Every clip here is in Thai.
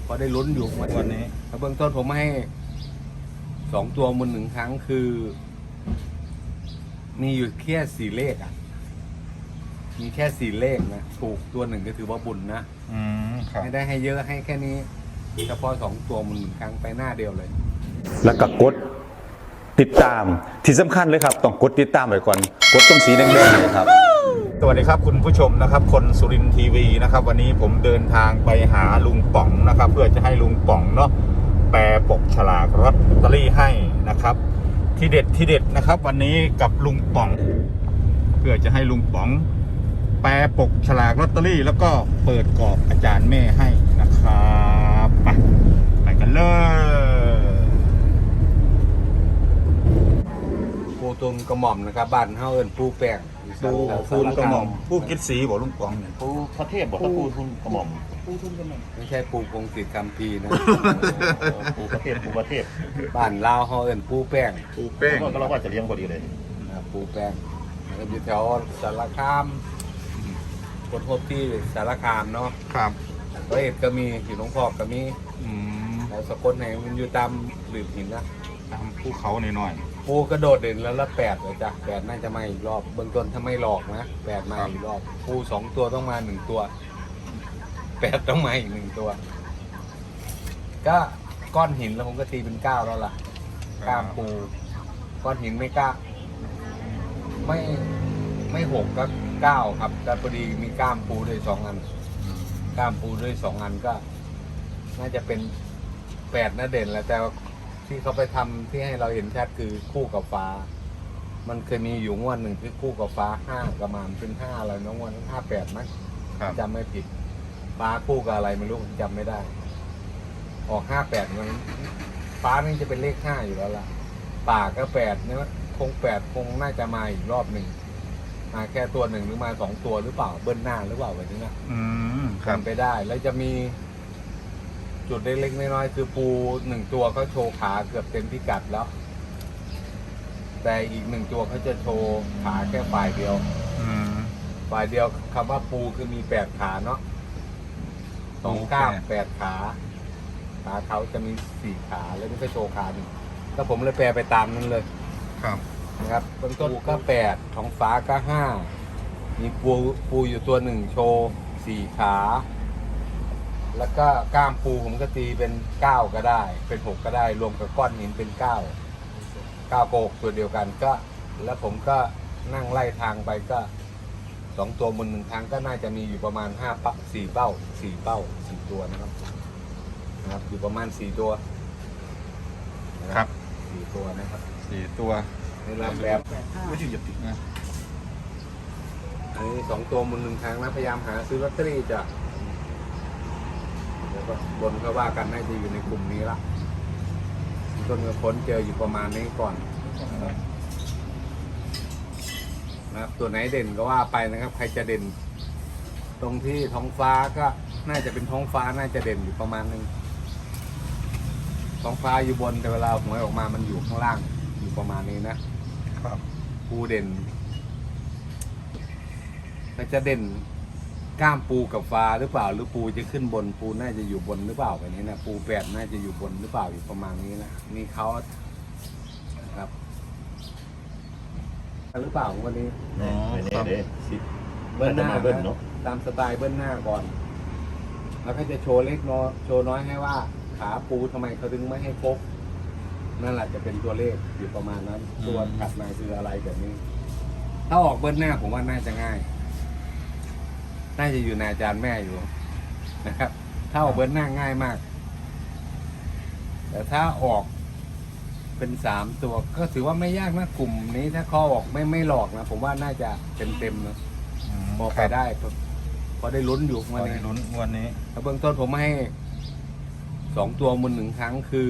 พอได้ลุ้นอยู่วันนี้เบื้องต้นผมให้2 ตัวมูล1 ครั้งคือ มีอยู่แค่4 เลขอ่ะมีแค่4 เลขนะถูกตัวหนึ่งก็ถือว่าบุญนะไม่ได้ให้เยอะให้แค่นี้เฉพาะ2 ตัวมูล1 ครั้งไปหน้าเดียวเลยแล้วก็กดติดตามที่สำคัญเลยครับต้องกดติดตามไว้ก่อนกดตรงสีแดงๆเลยครับสวัสดีครับคุณผู้ชมนะครับคนสุรินทร์ทีวีนะครับวันนี้ผมเดินทางไปหาลุงป๋องนะครับเพื่อจะให้ลุงป๋องเนาะแปลปกฉลากลอตเตอรี่ให้นะครับที่เด็ดนะครับวันนี้กับลุงป๋องเพื่อจะให้ลุงป๋องแปลปกฉลากลอตเตอรี่แล้วก็เปิดกรอบอาจารย์แม่ให้นะครับไปกันเลยปูตุนกระหม่อมนะครับบ้านเฮาเอิ้นปูแป้งปูกระหม่อมปูกิดสีบอกลุงป๋องเนี่ยปูพระเทพบอกว่าปูทุนกระหม่อมปูทุนกระหม่อมไม่ใช่ปูพงศิษฐ์คัมภีร์นะปูพระเทพปูพระเทพบ้านลาวเฮาเอิ้นปูแป้งก็เราว่าจะเลี้ยงพอดีเลยปูแป้งแล้วอยู่แถวสารคามคนพบที่สารคามเนาะครับร้อยเอ็ดก็มีอยู่หนองพอกก็มีแล้วสกลไหนมันอยู่ตามหลืบหินนะตามภูเขาหน่อยปูกระโดดเด่นแล้ว8เลยจ้ะ8น่าจะมาอีกรอบเบื้องต้นถ้าไม่หลอกนะ8มาอีกรอบปู2 ตัวต้องมา1 ตัว8ต้องมาอีก1 ตัวก็ก้อนหินแล้วผมก็ตีเป็น9แล้วล่ะก้ามปูก้อนหินไม่กล้าไม่6ก็9ครับแต่พอดีมีก้ามปูด้วย2 อันก้ามปูด้วย2 อันก็น่าจะเป็น8น่าเด่นแล้วแต่ที่เขาไปทำที่ให้เราเห็นชัดคือคู่กับฟ้ามันเคยมีอยู่งวดหนึ่งที่คู่กับฟ้า5ประมาณเป็น5อะไรน้องวัน58มั้งจำไม่ผิดฟ้าคู่กับอะไรไม่รู้จำไม่ได้ออก58มันฟ้านี่จะเป็นเลข5อยู่แล้วล่ะป่าก็8เนี่ยคง8คงน่าจะมาอีกรอบหนึ่งมาแค่ตัว1หรือมา2 ตัวหรือเปล่าเบิ้ลหน้าหรือเปล่าแบบนี้นะทำไปได้แล้วจะมีจุดเล็กๆน้อยๆคือปู1 ตัวเขาโชว์ขาเกือบเต็มพิกัดแล้วแต่อีก1 ตัวเขาจะโชว์ขาแค่ฝ่ายเดียวฝ่ายเดียวคำว่าปูคือมี8 ขาเนาะ2 ก้าม8 ขาเขาจะมี4 ขาแล้วนี่ก็โชว์ขา1ก็ผมเลยแปลไปตามนั้นเลยครับนะครับต้นก็8ท้องฟ้าก็5มีปูอยู่ตัว1โชว์4 ขาแล้วก็ก้ามปูผมก็ตีเป็น9ก็ได้เป็น6ก็ได้รวมกับก้อนหินเป็น9โกกตัวเดียวกันก็แล้วผมก็นั่งไล่ทางไปก็2 ตัวบน1 ครั้งก็น่าจะมีอยู่ประมาณ4 เป้า4 ตัวนะครับอยู่ประมาณ4 ตัวครับ 4 ตัวนะครับ 4 ตัวในลำแบบไม่ใช่หยุดนะอันนี้2 ตัวบน1 ครั้งนะพยายามหาซื้อลอตเตอรี่จะแล้วก็บนก็ว่ากันน่าจะอยู่ในกลุ่มนี้ละต้นกระพ้นเจออยู่ประมาณนี้ก่อนนะครับตัวไหนเด่นก็ว่าไปนะครับใครจะเด่นตรงที่ท้องฟ้าก็น่าจะเป็นท้องฟ้าน่าจะเด่นอยู่ประมาณนึงท้องฟ้าอยู่บนแต่เวลาหวยออกมามันอยู่ข้างล่างอยู่ประมาณนี้นะครับปูเด่นก็จะเด่นก้ามปูกับฟ้าหรือเปล่าหรือปูจะขึ้นบนปูน่าจะอยู่บนหรือเปล่าแบบนี้นะปู8น่าจะอยู่บนหรือเปล่าอยู่ประมาณนี้นะนี่เขาครับหรือเปล่าวันนี้เบิ้ลหน้าตามสไตล์เบิ้ลหน้าก่อนแล้วก็จะโชว์เล็กน้อยโชว์น้อยให้ว่าขาปูทำไมเขาถึงไม่ให้ครบนั่นแหละจะเป็นตัวเลขอยู่ประมาณนั้นตัวถัดมาคืออะไรแบบนี้ถ้าออกเบิ้ลหน้าผมว่าน่าจะง่ายน่าจะอยู่ในอาจารย์แม่อยู่นะครับถ้าออกเบิ้ลหน้าง่ายมากแต่ถ้าออกเป็น3 ตัวก็ถือว่าไม่ยากนะกลุ่มนี้ถ้าข้อออกไม่หลอกนะผมว่าน่าจะเต็มนะพอไปได้พอได้ลุ้นอยู่วันนี้ลุ้นวันนี้เบื้องต้นผมให้2 ตัวมูล1 ครั้งคือ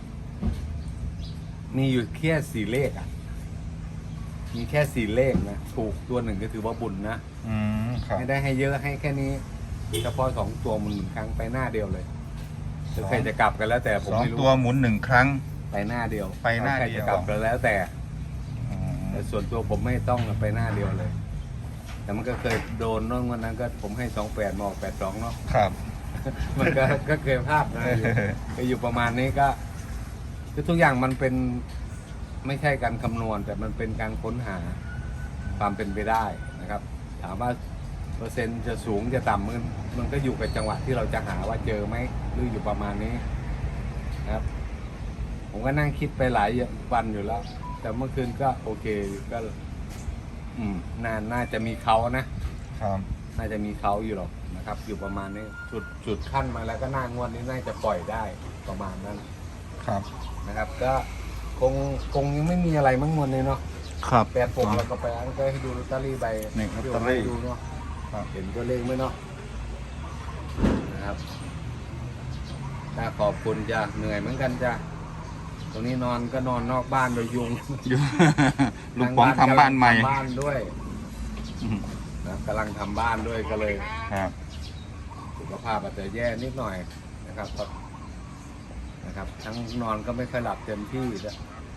มีอยู่แค่4 เลขอ่ะมีแค่4 เลขนะถูกตัว1ก็ถือว่าบุญนะไม่ได้ให้เยอะให้แค่นี้เฉพาะ2 ตัวมูล1 ครั้งไปหน้าเดียวเลยจะใครจะกลับกันแล้วแต่ผมไม่รู้ 2 ตัวหมุน1 ครั้งไปหน้าเดียวไปหน้าเดียวใครจะกลับกันแล้วแต่ส่วนตัวผมไม่ต้องไปหน้าเดียวเลยแต่มันก็เคยโดนน้องวันนั้นก็ผมให้28มาออก82เนาะครับมันก็เคยพลาดนะอยู่ประมาณนี้ก็คือทุกอย่างมันเป็นไม่ใช่การคำนวณ แต่มันเป็นการค้นหาความเป็นไปได้นะครับ ถามว่าเปอร์เซ็นต์จะสูงจะต่ำมันก็อยู่กับจังหวะที่เราจะหาว่าเจอไหมหรืออยู่ประมาณนี้นะครับ ผมก็นั่งคิดไปหลายวันอยู่แล้ว แต่เมื่อคืนก็โอเคก็น่าจะมีเขานะครับ น่าจะมีเขาอยู่หรอกนะครับ อยู่ประมาณนี้จุดขั้นมาแล้วก็น่างวดนี้น่าจะปล่อยได้ประมาณนั้นครับนะครับ ก็คงยังไม่มีอะไรมั้งมวลนี้เนาะครับแปดผมเราก็ไปอันก็ให้ดูลอตเตอรี่ใบนี่ลอตเตอรี่ให้ดูเนาะครับเห็นตัวเลขไหมเนาะนะครับถ้าขอบคุณจ้ะเหนื่อยเหมือนกันจ้ะตรงนี้นอนก็นอนนอกบ้านโดยยุงลุงป๋องทำบ้านใหม่ทำบ้านด้วยนะกำลังทำบ้านด้วยก็เลยครับสุขภาพอาจจะแย่นิดหน่อยนะครับนะครับ ทั้งนอนก็ไม่ค่อยหลับเต็มที่นะ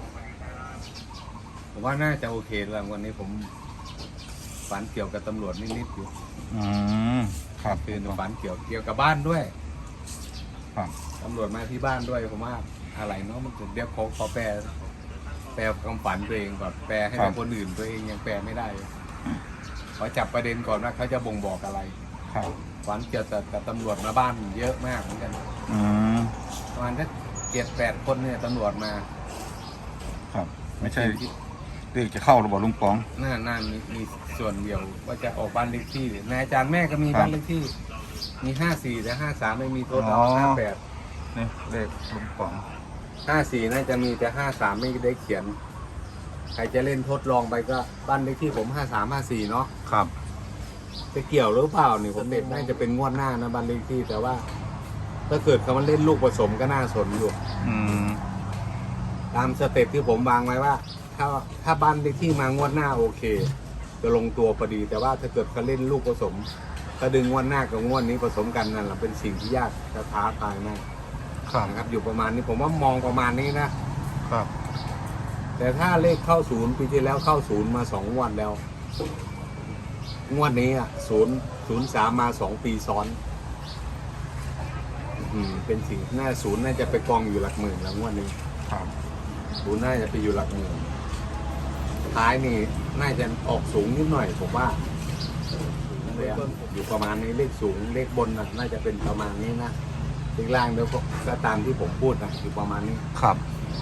ผมว่าน่าจะโอเคแล้ววันนี้ผมฝันเกี่ยวกับตำรวจนิดๆอยู่ครับคือฝันเกี่ยวกับบ้านด้วยครับตำรวจมาที่บ้านด้วยผมว่าอะไรเนาะมันเดี๋ยวขอแปลความฝันตัวเองก่อนแปลให้กับคนอื่นตัวเองยังแปลไม่ได้ขอจับประเด็นก่อนว่าเขาจะบ่งบอกอะไรครับฝันเกี่ยวกับตำรวจมาบ้านเยอะมากเหมือนกัน ประมาณสัก7-8 คนเนี่ยตำรวจมาครับ ไม่ใช่เรียกจะเข้าหรือเปล่าลุงป๋องน่ามีส่วนเดียวว่าจะออกบ้านเลขที่นายอาจารย์แม่ก็มีบ้านเลขที่ มี54แต่53ไม่มีโทษอ๋อ 58 นี่เลขลุงป๋อง 54น่าจะมีแต่53ไม่ได้เขียน ใครจะเล่นทดลองไปก็บ้านเลขที่ผม5354เนาะครับจะเกี่ยวหรือเปล่านี่ผมเด็กน่าจะเป็นงวดหน้านะบ้านเลขที่แต่ว่า ถ้าเกิดเขามาเล่นลูกผสมก็น่าสนอยู่ ตามสเต็ปที่ผมวางไว้ว่า ถ้าบ้านเลขที่มางวดหน้าโอเค จะลงตัวพอดี แต่ว่าถ้าเกิดเขาเล่นลูกผสมก็ดึงงวดหน้ากับงวดนี้ผสมกันนั่นแหละเป็นสิ่งที่ยากจะท้าทายมากครับนะครับ อยู่ประมาณนี้ผมว่ามองประมาณนี้นะครับ แต่ถ้าเลขเข้าศูนย์ปีที่แล้วเข้าศูนย์มา2 งวดแล้ว งวดนี้อ่ะ003มา2 ปีซ้อนเป็นสิ่งศูนย์น่าจะไปกองอยู่หลักหมื่นแล้วงวดนี้ครับศูนย์น่าจะไปอยู่หลักหมื่นท้ายนี่น่าจะออกสูงนิดหน่อยผมว่าอยู่ประมาณนี้เลขสูงเลขบนน่าจะเป็นประมาณนี้นะเลขล่างเดี๋ยวก็ตามที่ผมพูดนะอยู่ประมาณนี้ครับ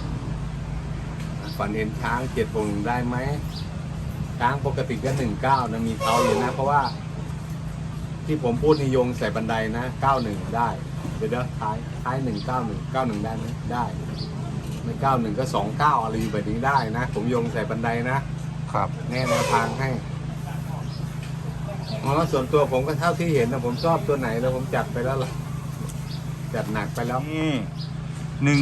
ฝันเห็นช้าง7 ได้ไหมช้างปกติก็19นะมีเขาอยู่นะเพราะว่า ที่ผมพูดนิยงใส่บันไดนะ91ได้เดี๋ยวท้าย191ได้ไหมได้ไม่91ก็29อะไรอยู่แบบนี้ได้นะผมโยงใส่บันไดนะครับ แนวทางให้เพราะส่วนตัวผมก็เท่าที่เห็นนะผมชอบตัวไหนแล้วผมจัดไปแล้วล่ะจัดหนักไปแล้วนี่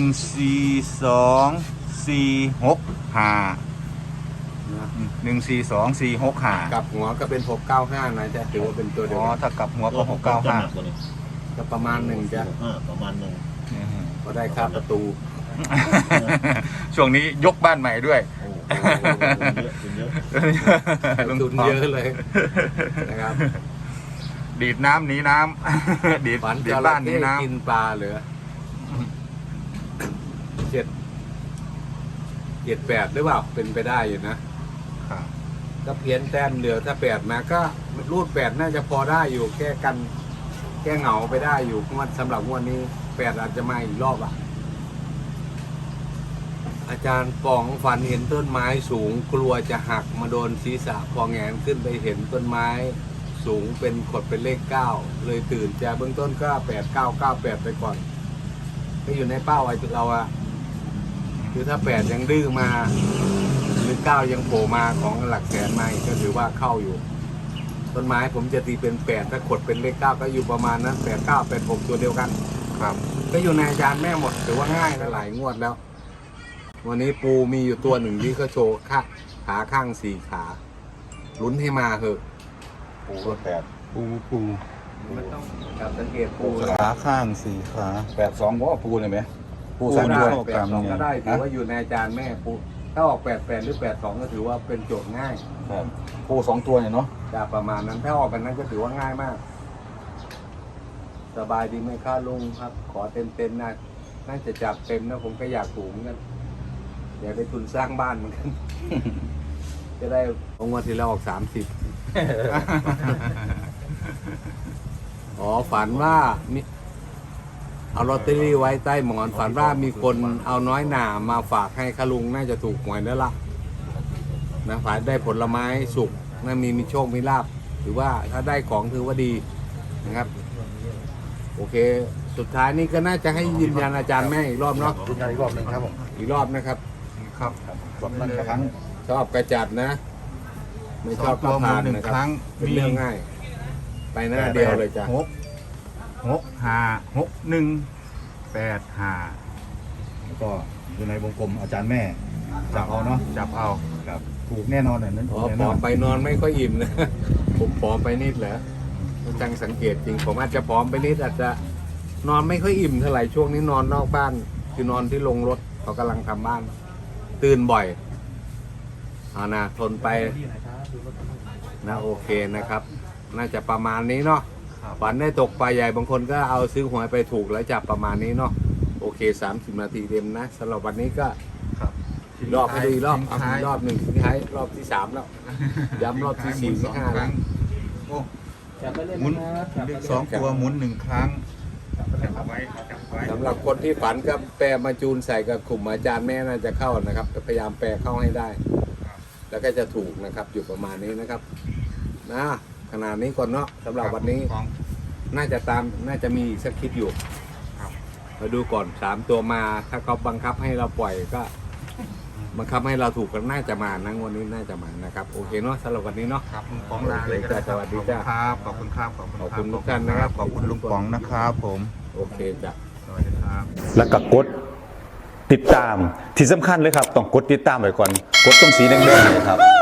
14245 กับหัวก็เป็น695นะจะถือว่าเป็นตัวเดียวอ๋อกันถ้ากลับหัวก็ก็ประมาณ1จ้ะประมาณหนึ่ง 695 ก็ได้ค่าประตูช่วงนี้ยกบ้านใหม่ด้วยโอ้โหเยอะทุนเยอะเลยนะครับดีดน้ำหนีน้ำ ดีดฝันดีจดระบ้านหนีเข้น้กินปลาเหลือ7 8หรือเปล่าเป็นไปได้อยู่นะำครับก็เพี้ยนแต้มเหลือถ้า8มาก็รูด8น่าจะพอได้อยู่แก้กัน แก้เหงาไปได้อยู่งวดสำหรับงวดนี้8อาจจะมาอีกรอบอาจารย์ปองฝันเห็นต้นไม้สูงกลัวจะหักมาโดนศีรษะพอแงนขึ้นไปเห็นต้นไม้สูงเป็นขดเป็นเลข9เลยตื่นจะเบื้องต้นก็8998ไปก่อนก็อยู่ในเป้าไอ้เราคือถ้า8ยังดื้อมาหรือ9ยังโผล่มาของหลักแสนมาอีกก็ถือว่าเข้าอยู่ ต้นไม้ผมจะตีเป็น8ถ้าขดเป็นเลข9ก็อยู่ประมาณนั้น8986ตัวเดียวกันครับก็อยู่ในอาจารย์แม่หมดถือว่าง่ายนะหลายงวดแล้ว วันนี้ปูมีอยู่ตัวหนึ่งที่ก็โชว์ขาข้าง4 ขาลุ้นให้มาเถอะปูรถ8 ปูมันต้องการสังเกตปูขาข้าง4 ขา 82ว่าปูเลยไหมปูก็สองได้ตัวกรัม 82 เนี่ก็ยได้ถือว่าอยู่ในอาจารย์แม่ปูถ้าออก88หรือ82ก็ถือว่าเป็นโจทย์ง่ายปู2 ตัวเนี่ยเนาะจะประมาณนั้นถ้าออกแบบนั้นก็ถือว่าง่ายมากสสบายดีไหมครับลุงครับ ขอเต็มนะน่าจะจับเต็มนะผมก็อยากถูกเหมือนกันอยากได้ทุนสร้างบ้านเหมือนกัน จะได้งวดที่เราออก30 อ๋อฝันว่ามีเอาลอตเตอรี่ไว้ใต้หมอนฝันว่ามีคนเอาน้อยหนามาฝากให้คะลุงน่าจะถูกหวยแล้วล่ะนะฝันได้ผลไม้สุกน่ามีโชคมีลาภถือว่าถ้าได้ของถือว่าดีนะครับโอเค สุดท้ายนี้ก็น่าจะให้ยืนยันอาจารย์แม่อีกรอบเนาะยืนยันอีกรอบหนึ่งครับผมอีกรอบนะครับครับกดนั่นครั้งชอบกระจัดนะ ไม่ชอบก็ผ่านนะครับเป็นเรื่องง่าย ไปหน้าเดียวเลยจ้ะ 6561585แล้วก็อยู่ในวงกลมอาจารย์แม่จับเอาเนาะจับเอาครับถูกแน่นอนเนี่ยนั้นอ๋ถูอกแน่ผนออมนไปนอนไม่ค่อยอิ่มนะ ผมผอมไปนิดเหรอจังสังเกตจริง ผมอาจจะผอมไปนิดอาจจะนอนไม่ค่อยอิ่มเท่าไหร่ช่วงนี้นอนนอกบ้าน คือนอนที่ลงรถเขากำลังทำบ้าน ตื่นบ่อยเอานะทนไปนะโอเคนะครับ น่าจะประมาณนี้เนาะฝันได้ตกปลาใหญ่บางคนก็เอาซื้อหวยไปถูกแล้วจับประมาณนี้เนาะโอเค30 นาทีเต็มนะสำหรับวันนี้ก็ครับรอบให้ดูอีกรอบเอาอีกรอบหนึ่งทิ้งท้ายรอบที่ 3 แล้ว ย้ำรอบที่ 4 ที่ 5 แล้วโอ้จับไปเล่นหมุนนะครับจับไปเลเล่ขนสองตัวหมุน1 ครั้งจับไว้สำหรับคนที่ฝันก็แปลมาจูนใส่กับกลุ่มอาจารย์แม่น่าจะเข้านะครับพยายามแปลเข้าให้ได้ แล้วก็จะถูกนะครับอยู่ประมาณนี้นะครับนะขนาดนี้ก่อนเนาะสำหรับวันนี้ น่าจะมีอีกสักคลิปอยู่มาดูก่อน3 ตัวมา ถ้าเขาบังคับให้เราปล่อยก็บังคับให้เราถูกก็น่าจะมานะวันนี้น่าจะมานะครับโอเคเนาะสำหรับวันนี้เนาะครับลุงป๋องลาเลยก็ได้สวัสดีจ้าครับขอบคุณครับขอบคุณขอบคุณทุกท่านนะครับขอบคุณลุงป๋องนะครับผมโอเคจ้ะสวัสดีครับแล้วก็กดติดตามที่สำคัญเลยครับ ต้องกดติดตามไว้ก่อน กดตรงสีแดงๆเนี่ยครับ